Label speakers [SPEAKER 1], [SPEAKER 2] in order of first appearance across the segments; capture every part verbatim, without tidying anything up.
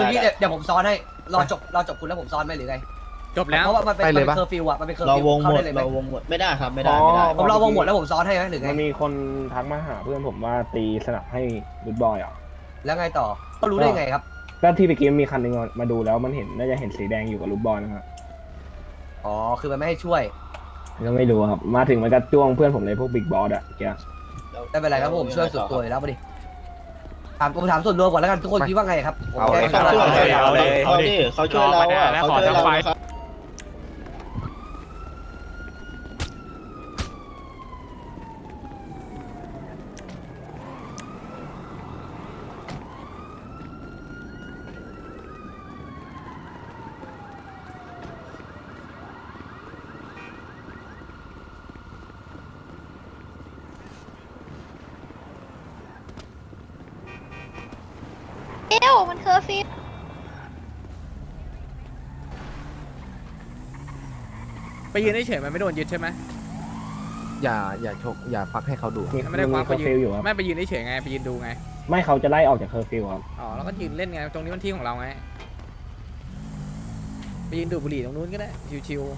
[SPEAKER 1] คือพี่เดี๋ยวเดี๋ยวผมซ้อนให้รอจบรอจบคุณแล้วผมซ้อนไหมหรือไง
[SPEAKER 2] จบแล้ว
[SPEAKER 1] เพราะว่ามันเป็น
[SPEAKER 3] ไป
[SPEAKER 1] มัน
[SPEAKER 3] เล
[SPEAKER 1] เป็
[SPEAKER 3] ย
[SPEAKER 1] น
[SPEAKER 3] ปะ
[SPEAKER 1] เคอร์ฟิวอะมันเป็นเคอร์
[SPEAKER 4] เรา
[SPEAKER 1] ฟิว
[SPEAKER 4] วงห
[SPEAKER 1] เข้าม
[SPEAKER 4] ด
[SPEAKER 1] ได้เลยไหม
[SPEAKER 4] เราวงหมดไม่ได้ครับไม่ได้ไม่ได้
[SPEAKER 1] ผมรอวงหมดแล้วผมซ้อนให้ไหมหรือไง
[SPEAKER 5] มันมีคนทักมาหาเพื่อนผมว่าตีสนับให้รูทบอยอ่ะ
[SPEAKER 1] แล้วไงต่อก็รู้ได้ไงครับ
[SPEAKER 5] ก็ที่ไปเกมมีคันหนึงมาดูแล้วมันเห็นน่าจะเห็นสีแดงอยู่กับรูทบอยนะครับ
[SPEAKER 1] อ๋อคือมันไม่ให้ช่วย
[SPEAKER 5] ก็ไม่รู้ครับมาถึงมันก็จ้วงเพื่อนผมเลยพวกบิ๊กบอสอ่ะแก
[SPEAKER 1] ไม่เป็นไรครับผมช่วยสุดตัวอยู่แล้วมาดิถามผมถามส่วนรวมก่อนแล้วกันทุกคนคิดว่าไงครับผม
[SPEAKER 3] เอา
[SPEAKER 1] แก้
[SPEAKER 3] เลย
[SPEAKER 1] ข้อ
[SPEAKER 4] เขา
[SPEAKER 1] ละ
[SPEAKER 4] ช่วย
[SPEAKER 2] เอาเลยเอา
[SPEAKER 4] เขา
[SPEAKER 2] เลย
[SPEAKER 4] ดิเขาช่วยเราอ่ะ
[SPEAKER 2] รอ
[SPEAKER 4] เขา
[SPEAKER 2] มา
[SPEAKER 4] ช่วย
[SPEAKER 2] แล้ว
[SPEAKER 4] เรา
[SPEAKER 2] ขอ
[SPEAKER 4] นะครับ
[SPEAKER 6] เอ้วมันเคอร์ฟิว
[SPEAKER 2] ไปยืนเฉยๆมันไม่โดนยึดใช่ไหม
[SPEAKER 3] อย่าอย่าชกอย่าฟักให้เขาดู
[SPEAKER 5] มี
[SPEAKER 2] ไม่ได้ค
[SPEAKER 5] มี
[SPEAKER 2] ว้า
[SPEAKER 5] เค
[SPEAKER 2] ไป
[SPEAKER 5] อร์
[SPEAKER 2] ยื
[SPEAKER 5] ฟิล
[SPEAKER 2] น
[SPEAKER 5] อยู่ครับ
[SPEAKER 2] ไม่ไปยืนเฉยๆไงไปยืนดูไง
[SPEAKER 5] ไม่เขาจะไล่ออกจากเคอร์ฟิลครับ
[SPEAKER 2] อ๋อแล้วก็ยืนเล่นไงตรงนี้มันที่ของเราไงไปยืนดูดบุหรี่ตรงนู้นก็ได้ชิว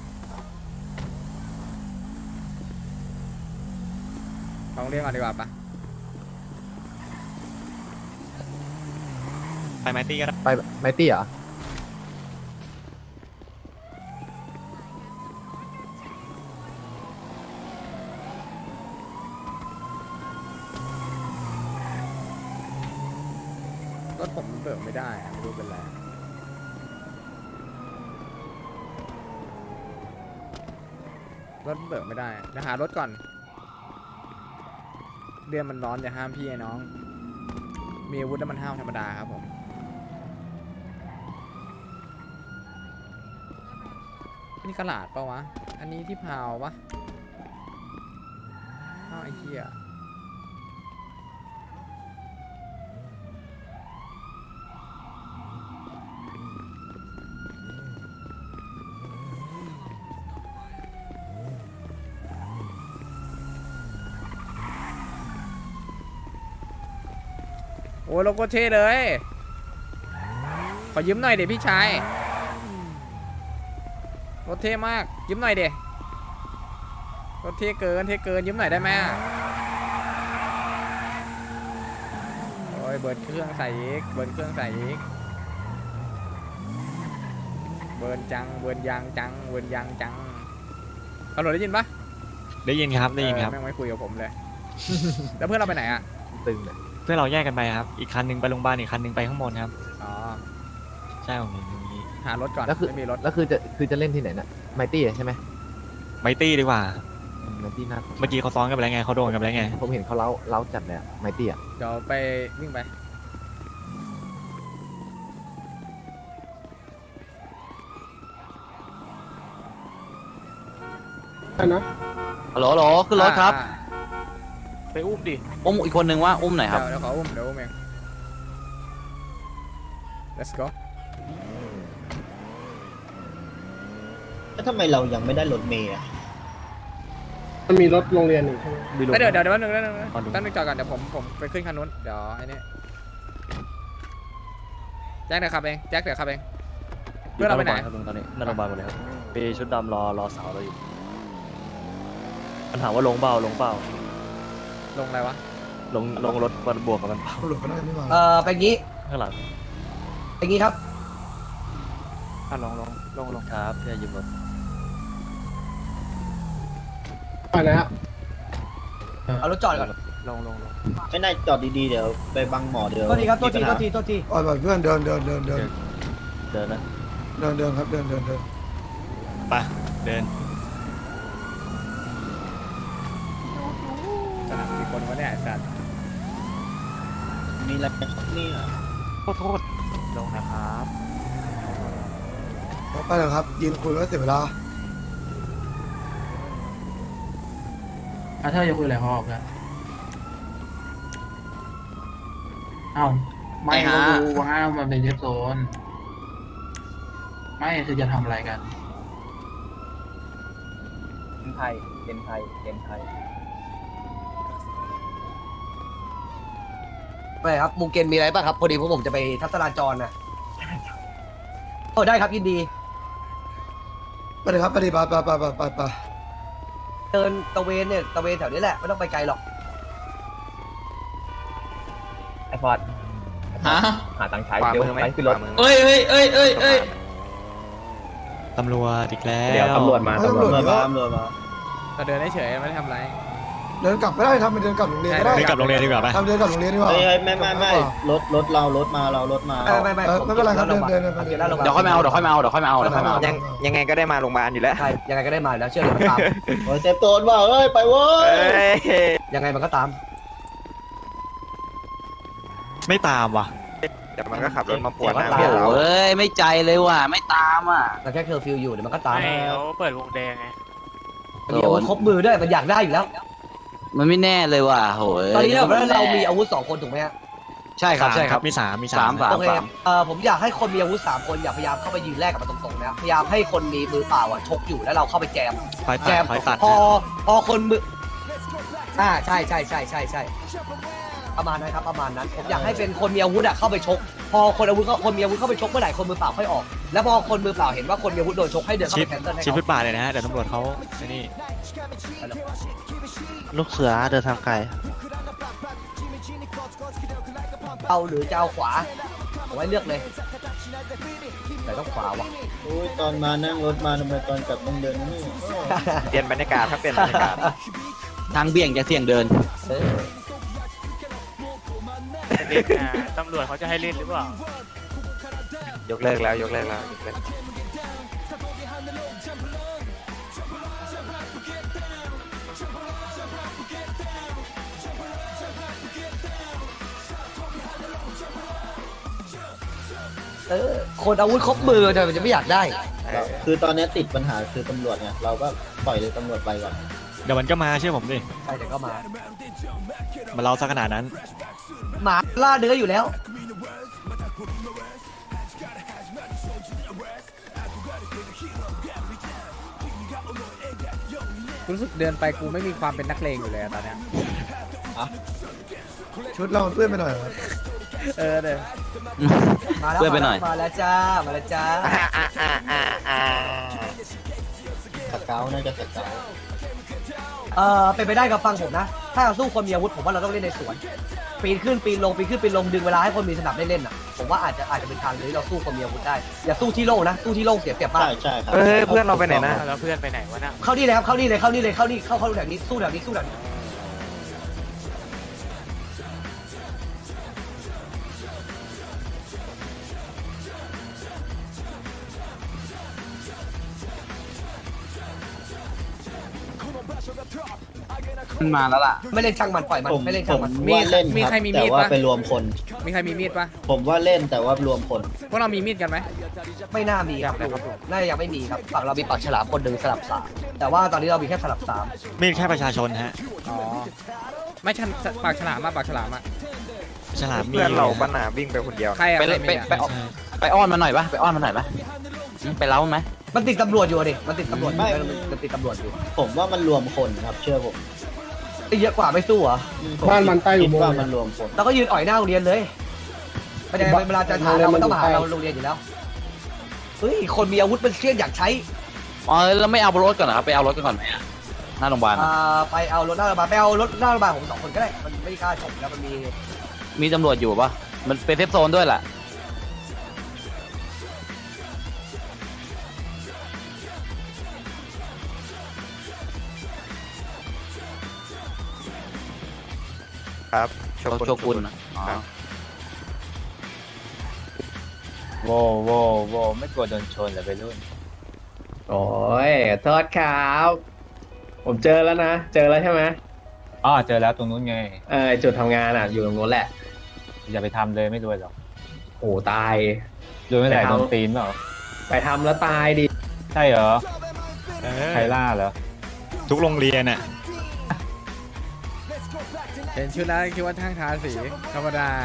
[SPEAKER 2] ๆลองเรียกก่อนดีกว่าปะ
[SPEAKER 7] ไปไมตี้ก็ได้
[SPEAKER 3] ไปไมตี้เหรอ
[SPEAKER 2] รถผมเบิกไม่ได้อะไม่รู้เป็นไรรถเบิกไม่ได้เดี๋ยวหารถก่อนเดือนมันร้อนอย่าห้ามพี่ไอ้น้องมีอาวุธแล้วมันห้ามธรรมดาครับผมนี่กระดาษปะวะอันนี้ที่พาวปะอ้าวไอ้เหี้ยโอ้ยโลโก้เท่เลย ขอยืมหน่อยเดี๋ยวพี่ชายรถเท่มากยืมหน่อยเดี๋ยวรถเท่เกินเท่เกินยืมหน่อยได้ไหมโอ้ยเบิร์นเครื่องใส่อีกเบิร์นเครื่องใส่อีกเบิร์นจังเบิร์นยางจังเบิร์นยางจังตำรวจได้ยินปะ
[SPEAKER 7] ได้ยินครับได้ยินครับ
[SPEAKER 2] เออแม่งไม่คุยกับผมเลย แล้วเพื่อนเราไปไหนอ่ะ
[SPEAKER 3] ตึงเลย
[SPEAKER 7] เพื่อเราแยกกันไปครับ อีกคันหนึงไปโรงพยาบาลอีกคันหนึงไปข้างบนครับ
[SPEAKER 2] อ๋อ
[SPEAKER 7] ใช่ผมเห็นอย่างนี้
[SPEAKER 2] หารถก่อน
[SPEAKER 3] แล้วคือ
[SPEAKER 2] ไม่มีรถ
[SPEAKER 3] แล้วคือจะคือจะเล่นที่ไหนน่ะไมตี้ใช่ไหม
[SPEAKER 7] ไมตี้ดีกว่า
[SPEAKER 3] ไมตี้น่า
[SPEAKER 7] เมื่อกี้เขาซ้อนกันไปแล้วไงเขาโดนกันไปแล้วไง
[SPEAKER 3] ผมเห็นเขาเล้าเล้าจัดเลยไมตี้อ่ะ
[SPEAKER 2] เดี๋ยวไปวิ่งไป
[SPEAKER 8] ฮัลโหลฮัลโหลขึ้นรถครับ
[SPEAKER 2] อ่า
[SPEAKER 8] ไปอุ้มดิ อุ้มอีกคนนึงว่าอุ้มหน่อยครับ
[SPEAKER 2] เดี๋ยวเดี๋ยวขออุ้มเดี๋ยวอุ้มเอง let's go
[SPEAKER 4] แล้วทำไมเรายังไม่ได้รถเมย์อ่ะ
[SPEAKER 5] มันมีรถโรงเรียนหนึ่งใช่ไหม
[SPEAKER 2] เอ้ยเดี๋ยวเดี๋ยวเดี๋ยวแป๊บนึงแป๊บนึงแป๊บนึงแป๊บนึงจอดก่อนเดี๋ยวผมผมไปขึ้นคันนู้นเดี๋ยวไอ้นี่แจ็คเดี๋ยวขับเองแจ็คเดี๋ยวขับเองเพื่อนเราไปไหน
[SPEAKER 8] ครับลุงตอนนี้นั่งโรงพยาบาลหมดเลยครับมีชุดดำรอรอสาวเราอยู่มันถามว่าลงเปล่าลงเปล่า
[SPEAKER 2] ลงอะไรวะ
[SPEAKER 8] ลงลงรถมันบวกกับมันเปล่า
[SPEAKER 1] เออเป็นงี้
[SPEAKER 8] ข้างหลัง
[SPEAKER 1] เป็นงี้ครับ
[SPEAKER 8] อ่ะลงลงลงลงครับพี่ยืมรถ
[SPEAKER 5] ไปแล้ว
[SPEAKER 1] เอารถจอดก่อน
[SPEAKER 8] ลงลงลง
[SPEAKER 4] ไม่น่าจอดดีๆเดี๋ยวไปบังหมอเดี๋ยว
[SPEAKER 1] โทษทีครับโทษที
[SPEAKER 4] มี
[SPEAKER 1] โท
[SPEAKER 4] ปัญ
[SPEAKER 1] ษที
[SPEAKER 4] หา
[SPEAKER 1] โทษที
[SPEAKER 9] อ่อนเพื่อนเดินเดินเดินเดิน
[SPEAKER 8] เดินนะ
[SPEAKER 9] เดินเดินครับเดินเดินเดิน
[SPEAKER 7] ไปเดิน
[SPEAKER 2] สนามกี่คนวะเนี่ยไอ้สัตว์
[SPEAKER 4] มีอะไรครับเนี่ย
[SPEAKER 8] โทษโทษลงนะครับ
[SPEAKER 9] ไปเลยครับยืนคุยก็เสียเวลา
[SPEAKER 10] อาเธอจะคุยอะไรเขาออกกันเอ้าไม่ก็รู้ว่ามันเป็นเซฟโซน ไม่คือจะทำอะไรกัน
[SPEAKER 4] เป็นไทยเป็นไทยเป็นไทย
[SPEAKER 1] ไม่ครับมูเกนมีอะไรป่ะครับพอดีพวกผมจะไปทัศนาจรนะโอ้ได้ครับยินดี
[SPEAKER 9] ไปเลยครับไปเลยไปไปไปไปไปไป
[SPEAKER 1] เดินตะเวนเนี่ยตะเวนแถวนี้แหละไม่ต้องไปไกลหรอก
[SPEAKER 3] ไอฟอร์ด
[SPEAKER 10] ฮะ
[SPEAKER 3] หาตังค์ใช้เดี๋ยวไปขึ้นรถ
[SPEAKER 10] เอ้ยเอ้ยเอ้ยเอ้ยเอ้ย
[SPEAKER 7] ตำรวจอีกแล้ว
[SPEAKER 3] เดี๋ยวตำรวจมา
[SPEAKER 9] ตำรวจ
[SPEAKER 4] ตำรวจ
[SPEAKER 9] เย
[SPEAKER 4] มา
[SPEAKER 9] อะ
[SPEAKER 4] ตำรวจมา
[SPEAKER 2] เราเดินเฉยๆไม่ได้ทำอะไร
[SPEAKER 9] เดินกลับก็ได้ทำเป็นเดินกลับโรงเรียนก็ได้
[SPEAKER 7] เดินกลับโรงเรียนดีกว่าปะ
[SPEAKER 9] ทำเดินกลับโรงเรียนดีกว่า
[SPEAKER 4] เฮ้ยเฮ้ยไม่ไม่ไม่รถรถเรารถมาเรารถมา
[SPEAKER 1] ไม่ไม่
[SPEAKER 9] เออไม่เป็นไรครับเดินเดินเดิน
[SPEAKER 1] เดี๋ยวหน้าโรงพยาบาล
[SPEAKER 11] เดี๋ยวค่อยมาเอาเดี๋ยวค่อยมาเอาเดี๋ยวค่อยมาเอาเดี๋ยวค่อยมาเอา
[SPEAKER 1] เดี๋ยวค่อยมาเอา
[SPEAKER 11] ยังยังไงก็ได้มาโรงพยาบาลอยู่แล้ว
[SPEAKER 1] ใช่ยังไงก็ได้มาอยู่แล้วเชื่อเลยมันตาม
[SPEAKER 4] โอ้ยเซฟโซนว่าเอ้ยไปเว้ย
[SPEAKER 11] เอ้ย
[SPEAKER 1] ยังไงมันก็ตาม
[SPEAKER 7] ไม่ตามว่ะ
[SPEAKER 11] เดี๋ยวมันก็ขับรถมาปวดหน้า
[SPEAKER 1] เดี๋
[SPEAKER 11] เพื่
[SPEAKER 1] ย
[SPEAKER 11] อ
[SPEAKER 1] วน
[SPEAKER 11] เรา
[SPEAKER 1] ตาม
[SPEAKER 11] เอ้ยไม่ใจเลยว่ะไม่ตามอ่ะ
[SPEAKER 1] เราแค่เคอร์ฟิวอยู่เดี๋ยวมันก็ตาม
[SPEAKER 8] เขาเปิดวงแดงไง
[SPEAKER 1] มันมีอาวุธครบมือด้วยมันอยากได้อยู่แล้ว
[SPEAKER 11] มันไม่แน่เลยว่ะโหย
[SPEAKER 1] ตอนนี้เราเรามีอาวุธสองคนถูกไหมฮะ
[SPEAKER 11] ใช่ครับใช่ครับ
[SPEAKER 7] มีสามมี
[SPEAKER 11] สา
[SPEAKER 7] สาม ม
[SPEAKER 11] สาม
[SPEAKER 1] โอเค
[SPEAKER 11] สาม
[SPEAKER 1] เอ่อผมอยากให้คนมีอาวุธสามคนอย่าพยายามเข้าไปยืนแลกกับมันตรงๆนะพยายามให้คนมีมือเปล่าอ่ะชกอยู่แล้วเราเข้าไปแจม
[SPEAKER 7] คอย
[SPEAKER 1] แจ
[SPEAKER 7] ตัด
[SPEAKER 1] ม
[SPEAKER 7] คอยตัด
[SPEAKER 1] พอพอคนมืออ่าใช่ใช่ใช่ใช่ใช่ประมาณนั้นครับประมาณนั้นผมอยากให้เป็นคนมีอาวุธอะเข้าไปชก พอคนอาวุธคนมีอาวุธเข้าไปชกเมื่อไหร่คนมือเปล่าค่อยออก แล้วพอคนมือเปล่าเห็นว่าคนมีอาวุธโดนชกให้เดินเข้า
[SPEAKER 7] ชิ
[SPEAKER 1] ไป
[SPEAKER 7] ด
[SPEAKER 1] แคนเซิลให้
[SPEAKER 7] ชิด
[SPEAKER 1] เขา
[SPEAKER 7] ฟุตบาทเลยนะฮะเดี๋ยวตำรวจเขาไอ้นี่
[SPEAKER 11] ลูกเสือเดินทางไกล
[SPEAKER 1] เอาหรือจะเอาขวาเอาไว้เลือกเลยแต่ต้องขวาวะ
[SPEAKER 4] โอ้ยตอนมานั่งรถมาทำไมตอนกลับต้องเดินนี่
[SPEAKER 11] เปลี่ยนบรรยากาศครับเปลี่ยนบรรยากาศทางเบี่ยงจะเสี่ยงเดิน
[SPEAKER 1] เออ
[SPEAKER 8] เล่นนะตำรวจเขาจะให้เล่นหรือเปล่า
[SPEAKER 11] ยกเลิกแล้วยกเลิกแล้วยกเลิก
[SPEAKER 1] เออคนอาวุธครบมือทำไมจะไม่อยากได้
[SPEAKER 4] คือตอนนี้ติดปัญหาคือตำรวจเนี่ยเราก็ปล่อยเลยตำรวจไปก่อน
[SPEAKER 7] เดี๋ยวมันก็มาเชื่อผมดิ
[SPEAKER 1] ใช่เดี๋ยวก็มา
[SPEAKER 7] มาเราซะขนาดนั้น
[SPEAKER 1] หมาล่าเนื้ออยู่แล้ว
[SPEAKER 2] รู้สึกเดินไปกูไม่มีความเป็นนักเลงอยู่เลยอะตอนเนี้ย
[SPEAKER 9] ชุดเรามันเปื้อนไปหน่อยครับ
[SPEAKER 2] เออเดี๋ยว
[SPEAKER 1] มาแล้ว
[SPEAKER 11] เพื่อนไปหน่อย
[SPEAKER 1] มาแล้วจ้ามาแล้วจ้า
[SPEAKER 4] สเกลน่าจะสเกล
[SPEAKER 1] เออเป็นไปได้กับฟังผมนะ ถ้าเราสู้คนมีอาวุธผมว่าเราต้องเล่นในสวน ปีนขึ้นปีนลงปีนขึ้นปีนลงดึงเวลาให้คนมีสนับได้เล่นอ่ะผมว่าอาจจะอาจจะเป็นทางหรือเราสู้คนมีอาวุธได้อย่าสู้ที่โล่งนะสู้ที่โล่งเสียเปรียบมาก
[SPEAKER 4] ใช่ใช่ครับ
[SPEAKER 11] เฮ้ยเพื่อนเราไปไหนนะ
[SPEAKER 8] แล้วเพื่อนไปไหนวะน่ะ
[SPEAKER 1] เข้านี่เลยครับเข้านี่เลยเข้านี่เลยเข้านี่เข้าเข้าแถวนี้สู้แถวนี้สู้แถวนี้
[SPEAKER 11] มันมาแล้วล่ะ
[SPEAKER 1] ไม่เล่นช่างมันปล่อยมัน
[SPEAKER 4] ผม
[SPEAKER 1] ไม่เล่น
[SPEAKER 4] ผ
[SPEAKER 1] ช่าง
[SPEAKER 4] ม
[SPEAKER 1] มัน
[SPEAKER 4] ว่าเล่น
[SPEAKER 2] มี
[SPEAKER 4] ครับ
[SPEAKER 2] ใครมี
[SPEAKER 4] แต่
[SPEAKER 2] มีด
[SPEAKER 4] ว่า
[SPEAKER 2] ปะ
[SPEAKER 4] ไปรวมคน
[SPEAKER 2] มีใครมีมีดปะ
[SPEAKER 4] ผมว่าเล่นแต่ว่ารวมคน
[SPEAKER 2] พวกเรามีมีดกันไหม
[SPEAKER 1] ไม่น่ามีครับน่าจะยังไม่มีครับฝั่งเรามีปากฉลามคนหนึ่งสลับสามแต่ว่าตอนนี้เรามีแค่สลับสาม
[SPEAKER 7] มีแค่ประชาชนฮะ
[SPEAKER 2] อ๋อไม่ชันปากฉลามมาปากฉลามอะ
[SPEAKER 7] ฉลามมี
[SPEAKER 11] เพื่อนเราปัญหาวิ่งไปคนเดียว
[SPEAKER 2] ใครอะ
[SPEAKER 11] ไป
[SPEAKER 2] ใคร
[SPEAKER 11] ไป
[SPEAKER 2] มีอะ
[SPEAKER 11] ไปไปไปอ้อนมันหน่อยปะไปอ้อนมันหน่อยปะไปเล้าไหม
[SPEAKER 1] มันติดตำรวจอยู่ดิมันติดตำรวจอยู่มันติดตำรวจอยู่
[SPEAKER 4] ผมว่ามันรวมคนครับเชื่อผม
[SPEAKER 1] เยอะกว่าไม่สู้เหรอ
[SPEAKER 9] บ้านมันใต้อุ
[SPEAKER 4] คิด
[SPEAKER 9] โมง
[SPEAKER 4] ว่า
[SPEAKER 9] ค์
[SPEAKER 4] มันรวมคน
[SPEAKER 1] เราก็ยืนอ่อยหน้าโรงเรียนเลยไม่ได้เวลาจะถามเรามันต้องมาหาเราโรงเรียนอยู่แล้วเฮ้ยคนมีอาวุธเป็นเชี่ยนอยากใช้
[SPEAKER 11] อ๋อแล้วไม่เอารถก่อนเหรอครับไปเอารถกันก่อนไหมอะหน้าโรงพยาบาล
[SPEAKER 1] อ่าไปเอารถหน้าโรงพยาบาลไปเอารถหน้าโรงพยาบาลผมสองคนก็ได้มันไม่กล้าชมแล้วมันมี
[SPEAKER 11] มีตำรวจอยู่ปะมันเป็นเซฟโซนด้วยแหละครับโชกุนอ๋อ
[SPEAKER 5] โวโวโวไม่กลัวโดนชนเหรอไปรุ่น
[SPEAKER 10] โอ้ยโทษครับ ผมเจอแล้วนะ เจอแล้วใช่ไหม
[SPEAKER 5] อ๋อเจอแล้วตรงนู้นไง
[SPEAKER 10] เออจุดทำงานอ่ะ อยู่ตรงนู้นแหละ
[SPEAKER 5] อย่าไปทำเลยไม่รวยหรอก
[SPEAKER 10] โอ้ตาย
[SPEAKER 5] รวยไม่ได้
[SPEAKER 10] ไปทำ
[SPEAKER 5] โดนตีนเปล่า
[SPEAKER 10] ไปทำแล้วตายดิ
[SPEAKER 5] ใช่เหรอ
[SPEAKER 7] เออ
[SPEAKER 5] ใครล่าเหรอ
[SPEAKER 7] ทุกโรงเรียนอ่ะ
[SPEAKER 2] เห็นชุดแล้วคิดว่าทางทาสีธรรมดา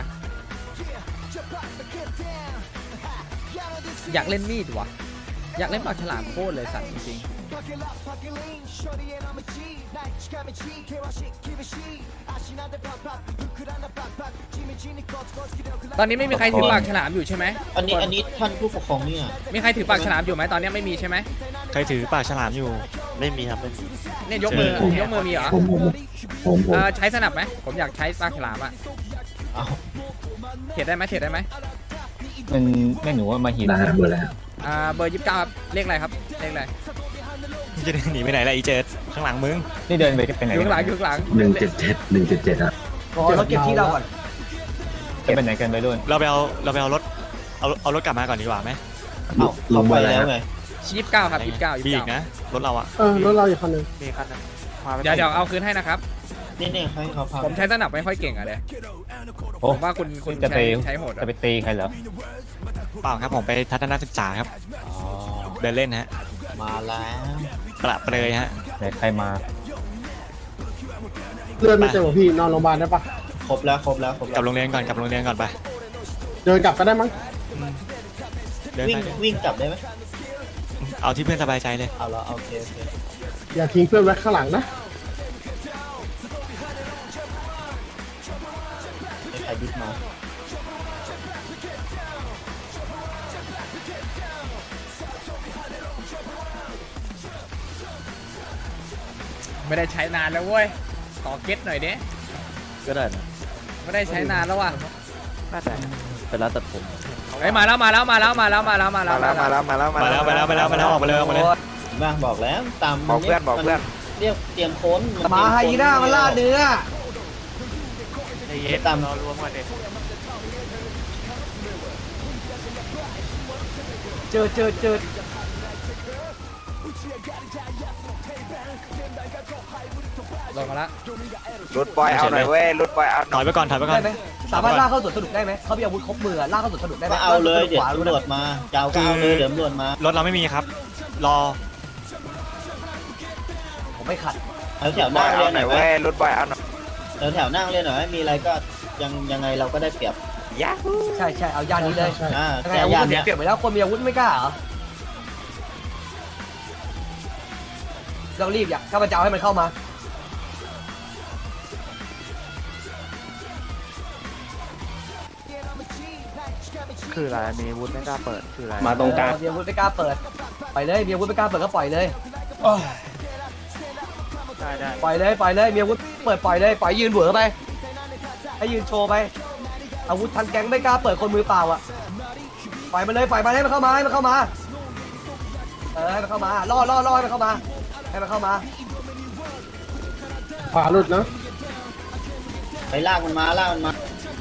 [SPEAKER 2] อยากเล่นมีดวะอยากเล่นปากฉลามโคตรเลยสัตว์จริงๆตอนนี้ไม่มีใครถือปากฉลามอยู่ใช่ไหม
[SPEAKER 4] อันนี้อันนี้ท่านผู้ปกครองเนี่ย
[SPEAKER 2] มีใครถือปากฉลามอยู่ไหมตอนนี้ไม่มีใช่ไหม
[SPEAKER 7] ใครถือปากฉลามอยู่
[SPEAKER 8] ไม่มีครับไม่มี
[SPEAKER 2] เนี่ยยกมือยกมือมีเหรอเออใช้สนับไหมผมอยากใช้ปากฉลามอะ
[SPEAKER 4] เอา
[SPEAKER 2] เทรดได้ไหมเทรดได้ไหม
[SPEAKER 11] มันแม่งหนูว่ามาหิน
[SPEAKER 2] อ่าเบอร์ยี่สิบเก้าครับเลขอะไรครับเลขอะไร
[SPEAKER 7] มึงจะหนีไปไหนล่ะอีเจิดข้างหลังมึง
[SPEAKER 11] นี่เดินไปไปไหน
[SPEAKER 2] อยู่ข้างหลังอยู่ข้างหลัง
[SPEAKER 5] หนึ่งเจ็ดเจ็ดหนึ่งเจ็ดเจ็ดครับ
[SPEAKER 1] ขอเราเก็บที่เราก่อน
[SPEAKER 11] จะไปไหนกันไปด้วย
[SPEAKER 7] เราไปเอาเราไปเอารถเอาเอารถกลับมาก่อนดีกว่าไหม
[SPEAKER 4] เอาเราไปแล้วไง
[SPEAKER 2] ยี่สิบเก้าครับยี่สิบเก้ายี่
[SPEAKER 7] มี
[SPEAKER 2] สิ
[SPEAKER 7] อี
[SPEAKER 2] บ
[SPEAKER 7] ก
[SPEAKER 2] เก้า
[SPEAKER 7] นะรถเราอะ
[SPEAKER 5] เออรถเราอีกคันหนึ่ง
[SPEAKER 8] มีคันนึง
[SPEAKER 2] เดี๋ยวเดี๋ยวเอาคืนให้นะครับ
[SPEAKER 4] นี่เนี่ยให้เขาพา
[SPEAKER 2] ผมใช้สนับไม่ค่อยเก่งอะเดย
[SPEAKER 11] โอ้
[SPEAKER 2] ผมว่าคุณคุณ
[SPEAKER 11] จะไป
[SPEAKER 2] ใช้ใช้โหด
[SPEAKER 11] จะ
[SPEAKER 2] อะ
[SPEAKER 11] ไปตีใครเหรอ
[SPEAKER 7] เปล่าครับผมไปทัศนศึกษาครับเดินเล่นฮะ
[SPEAKER 4] มาแล้ว
[SPEAKER 7] ประเปรยฮะ
[SPEAKER 11] ไหนใครมา
[SPEAKER 5] เลื่อนไม่เจอพี่นอนโรงพยาบาลได้ปะ
[SPEAKER 4] ครบแล้วครบแล้วครบ
[SPEAKER 7] ก
[SPEAKER 4] แล้
[SPEAKER 7] ลับ
[SPEAKER 4] ว
[SPEAKER 7] โรงเรียนก่อนกลับโรงเรียนก่อนไป
[SPEAKER 5] เดินกลับก็ได้มั้ง
[SPEAKER 7] เดิน
[SPEAKER 4] วิ่ง
[SPEAKER 7] ไป
[SPEAKER 4] วิ่งกลับได้ไหม
[SPEAKER 7] เอาที่เพื่อนสบายใจเลย
[SPEAKER 4] เอาละโอเคโอเค
[SPEAKER 5] อย่าทิ้งเพื่อนไว้ข้างหลังนะ
[SPEAKER 4] ให้ใครดิสมา
[SPEAKER 2] ไม่ได้ใช้นานแล้วเว้ยขอเก็ตหน่อยเด้
[SPEAKER 8] ก็ได้นะ
[SPEAKER 2] ไม่ได้ใช้นานแล้วว่ะ
[SPEAKER 8] น่าจะเป็นร้านตัดผม
[SPEAKER 2] เฮ้ยมาแล้วมาแล้วมาแล้วมาแล้วมาแล้วมาแล้ว
[SPEAKER 8] มาแล้วมาแล้วมาแล้ว
[SPEAKER 7] มาแล้วมาแล้วมาแล้วมาแล้วออกมาเลยออกมาเลย
[SPEAKER 4] บ้างบอกแล้วตาม
[SPEAKER 8] บอกเพื่อนบอกเพื่อน
[SPEAKER 4] เรียกเตรียมค้น
[SPEAKER 1] มาไฮยีน่ามาล่าเนื้อ
[SPEAKER 8] ไอ้เย็ด
[SPEAKER 4] ตาม
[SPEAKER 8] รอรวมกันดิ
[SPEAKER 1] เจอเจอเจอ
[SPEAKER 2] ลงมาแล้ว
[SPEAKER 8] รุดบอยเอาหน่อยเว้ยรุดบอยเอาห
[SPEAKER 7] ถ
[SPEAKER 8] น่
[SPEAKER 7] อ
[SPEAKER 8] อย
[SPEAKER 7] ยไปก่อนถอยไปก่อ
[SPEAKER 1] ได้
[SPEAKER 7] น
[SPEAKER 1] ไหมสามารถล่าเข้าสวนสนุกได้ไหมเขามีอาวุธครบมือล่าเข้าสวนสนุกได้ไหม
[SPEAKER 4] มาเอาเลยเดี๋ยว
[SPEAKER 1] ขวา
[SPEAKER 4] ตำรวจมาเจ้าก็เอาเลยเดี๋ยวตำรวจมาร
[SPEAKER 7] ถเราไม่มีครับ รอ
[SPEAKER 1] ผมไม่ขัด
[SPEAKER 4] แถวแถว
[SPEAKER 8] บ
[SPEAKER 4] หน้า
[SPEAKER 8] อย
[SPEAKER 4] เรี
[SPEAKER 8] เอา
[SPEAKER 4] ยน
[SPEAKER 8] ห
[SPEAKER 4] ห
[SPEAKER 8] น่
[SPEAKER 4] น่
[SPEAKER 8] อ
[SPEAKER 4] อย ย
[SPEAKER 8] เว้
[SPEAKER 4] เว้
[SPEAKER 8] ย
[SPEAKER 4] ย
[SPEAKER 8] รุดบอยเอาหน่อย
[SPEAKER 4] แถวแถวนั่งเรียนหน่อยมีอะไรก็ยังยังไงเราก็ได้เปรียบ
[SPEAKER 8] ยะ
[SPEAKER 1] ใช่ใช่เอาย่านนี้เลย
[SPEAKER 4] อ่า
[SPEAKER 1] ยังไง
[SPEAKER 4] แต่
[SPEAKER 1] อาวุธ
[SPEAKER 4] ยาน
[SPEAKER 1] มัน
[SPEAKER 4] เนี้ย
[SPEAKER 1] เปรียบไปแล้วคนมีอาวุธไม่กล้าเหรอเรารีบอยากข้าพเจ้าให้มันเข้ามา
[SPEAKER 8] คืออะไรมีวุฒิไม่กล้าเปิดคืออะไร
[SPEAKER 5] มาตรงกลาง
[SPEAKER 1] เออมีอาวุธไม่กล้าเปิดปล่อยเลยมีอาวุธไม่กล้าเปิดก็ปล่อยเลย
[SPEAKER 8] ได้ได้
[SPEAKER 1] ปล่อยเลยปล่อยเลยมีอาวุธเปิดปล่อยเลยปล่อยยืนเหวอไปให้ยืนโชว์ไปอาวุธทันแก๊งไม่กล้าเปิดคนมือเปล่าอ่ะปล่อยมันเลยปล่อยมันให้มันเข้ามาให้มันเข้ามาเออให้มันเข้ามาล่อล่อล่อให้มันเข้ามาให้มันเข้ามา
[SPEAKER 5] ขวาหลุดนะ
[SPEAKER 4] ไปลากมันมาลากมันมา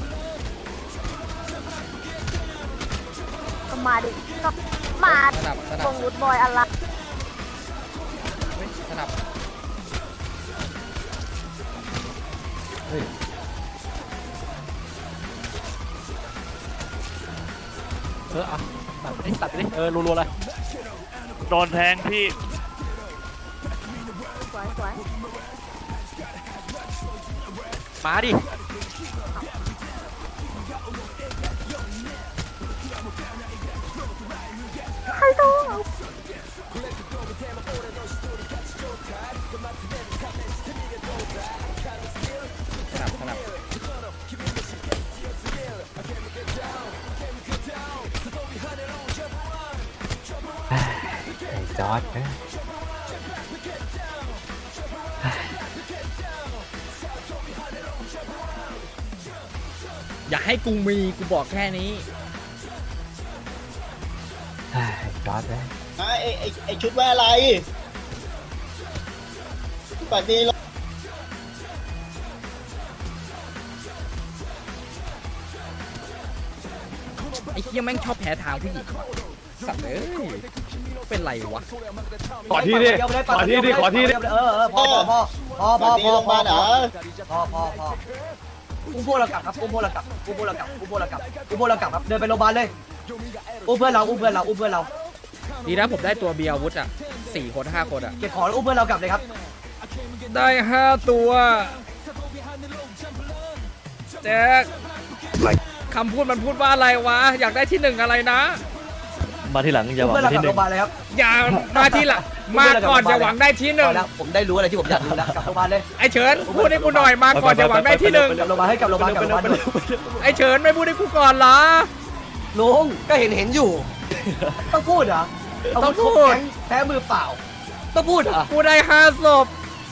[SPEAKER 6] มาดิมา
[SPEAKER 2] สนับสนั
[SPEAKER 6] ต
[SPEAKER 2] บ
[SPEAKER 6] รงวุฒบอยอะไร
[SPEAKER 2] เฮ้ยสนับเอออ่ะตัดไปดิตัดไปดิเออรัวๆเลย
[SPEAKER 8] โดนแทงพี่
[SPEAKER 6] สวยสวย
[SPEAKER 8] มาดิ
[SPEAKER 6] ใครโดน
[SPEAKER 2] สนับสนับ
[SPEAKER 11] จอร์ดนะ
[SPEAKER 2] อย่าให้กูมีกูบอกแค่นี้
[SPEAKER 11] จอร์ดนะ
[SPEAKER 4] ไอ้ไอ้ไอ้ชุดไว้อะไรปัดดีลง
[SPEAKER 2] ไอ้เหี้ยแม่งชอบแพ้ทางผู้หญิงว่ะสัตว์เอ้ยเป็นไรวะ
[SPEAKER 5] ขอที่ดิขอที่ดิขอที่ดิ
[SPEAKER 1] เออเออพอพอพอพอ
[SPEAKER 4] ปัด
[SPEAKER 1] พ
[SPEAKER 4] ดี
[SPEAKER 1] อ
[SPEAKER 4] ลง
[SPEAKER 1] พอ
[SPEAKER 4] มาเหรอ
[SPEAKER 1] พอพอพออุ้มพวกเรากลับครับอุ้มพวกเรากลับอุ้มพวกเรากลับอุ้มพวกเรากลับอุ้มพวกเรากลับครับเดินไปโรงพยาบาลเลยอุ้มเพื่อนเราอุ้มเพื่อนเราอุ้มเพื่อนเรา
[SPEAKER 2] ดีนะผมได้ตัวเบียร์อาวุธอ่ะสี่คนห้าคนอ่ะ
[SPEAKER 1] เก็บของแล้วอุ้มเพื่อนเรากลับเลยครับ
[SPEAKER 2] ได้ห้าตัวแจ็คคำพูดมันพูดว่าอะไรวะ อยากได้ที่หนึ่งอะไรนะ
[SPEAKER 8] มาที่หลังอย่าหวัง
[SPEAKER 1] เมื่อเรา
[SPEAKER 8] ที่
[SPEAKER 1] กลับ
[SPEAKER 8] ห
[SPEAKER 1] โร
[SPEAKER 8] นึ่
[SPEAKER 1] งพ
[SPEAKER 8] ง
[SPEAKER 1] ยาบาลเลยครับ
[SPEAKER 2] อย่ามาทีหละมาก่อนจะหวังได้ที่หนึ่ง
[SPEAKER 1] เอาละผมได้รู้อะไรที่ผมอยากรู้แล้วกลับโรงพยาบาลเลย
[SPEAKER 2] ไอเฉินพูดให้กูหน่อยมาก่อนจะหวังได้ที่หนึ่ง
[SPEAKER 1] กลับโรงพยาบาลให้กลับโรงพยาบาลกลับโรงพยาบาลด้วย
[SPEAKER 2] ไอเฉินไม่พูดให้กูก่อนเหรอ
[SPEAKER 1] ลุงก็เห็นเห็นอยู่ ต้องพูดเหรอ
[SPEAKER 2] ต้องพูด
[SPEAKER 1] แก๊งแพ้มือเปล่า ต้องพูดเหรอ
[SPEAKER 2] กูได้ห้าศพ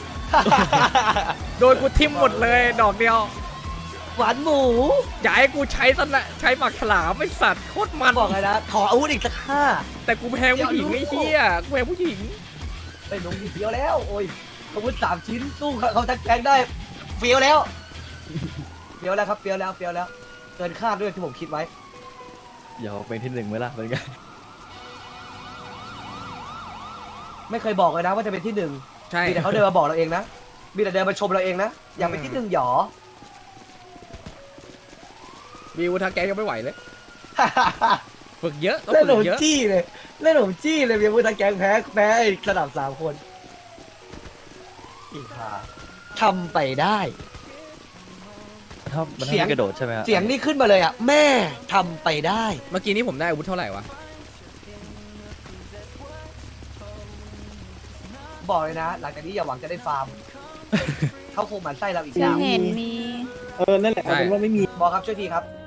[SPEAKER 2] โดนกูทิ่มหมดเลยดอกเดียว
[SPEAKER 1] หวานหมู
[SPEAKER 2] อย่าให้กูใช้สนะใช้หมักฉลามไอสัตว์โคตรมัน
[SPEAKER 1] บอกเลยนะ ขออาวุธอีกสักห้า
[SPEAKER 2] แต่กูแพงผู้หญิงไอ้เหี้ยกูแพงผู้หญิง
[SPEAKER 1] ไปลงเฟี้ยวแล้ว โอ้ยอาวุธสามชิ้นสู้เขาทั้งแก๊งได้เฟี้ยวแล้วเฟี้ยวแล้วครับเฟี้ยวแล้วเฟี้ยวแล้วเกินคาดด้วยที่ผมคิดไว้
[SPEAKER 8] อย่าเป็นที่หนึ่งไหมล่ะเป็นไง
[SPEAKER 1] ไม่เคยบอกเลยนะว่าจะเป็นที่หนึ่ง
[SPEAKER 2] ใช่
[SPEAKER 1] มีแต่เขาเดินมาบอกเราเองนะมีแต่เดินมาชมเราเองนะอยากเป็นที่หนึ่งหยอ
[SPEAKER 2] วิวทางแกยังไม่ไหวเลยฝึกเยอะต้อง
[SPEAKER 1] เล่นห
[SPEAKER 2] ฝึ
[SPEAKER 1] น
[SPEAKER 2] ก
[SPEAKER 1] ม
[SPEAKER 2] เยอะ
[SPEAKER 1] จี้เลยเล่นหนมจี้เลยมีอาวุธทางแก๊งแพ้แพ้ไอ้สนามสามคนอีกค่ะทำไปได้
[SPEAKER 8] ถ้ามัน
[SPEAKER 1] เสียง
[SPEAKER 8] ให้กระโดดใช่ไหมฮะ
[SPEAKER 1] เสียงนี่ขึ้นมาเลยอ่ะแม่ทำไปได้
[SPEAKER 2] เมื่อกี้นี้ผมได้อาวุธเท่าไหร่วะ
[SPEAKER 1] บอกเลยนะ หลังจากนี้อย่าหวังจะได้ฟาร์ม เขาคงหมั่นไส้เราอีก
[SPEAKER 6] จะ
[SPEAKER 1] ยาว
[SPEAKER 6] เห็นมี
[SPEAKER 5] เออ นั่นแหละเอาเป็นว่าไม่มี
[SPEAKER 1] บอกครับช่วยทีครับ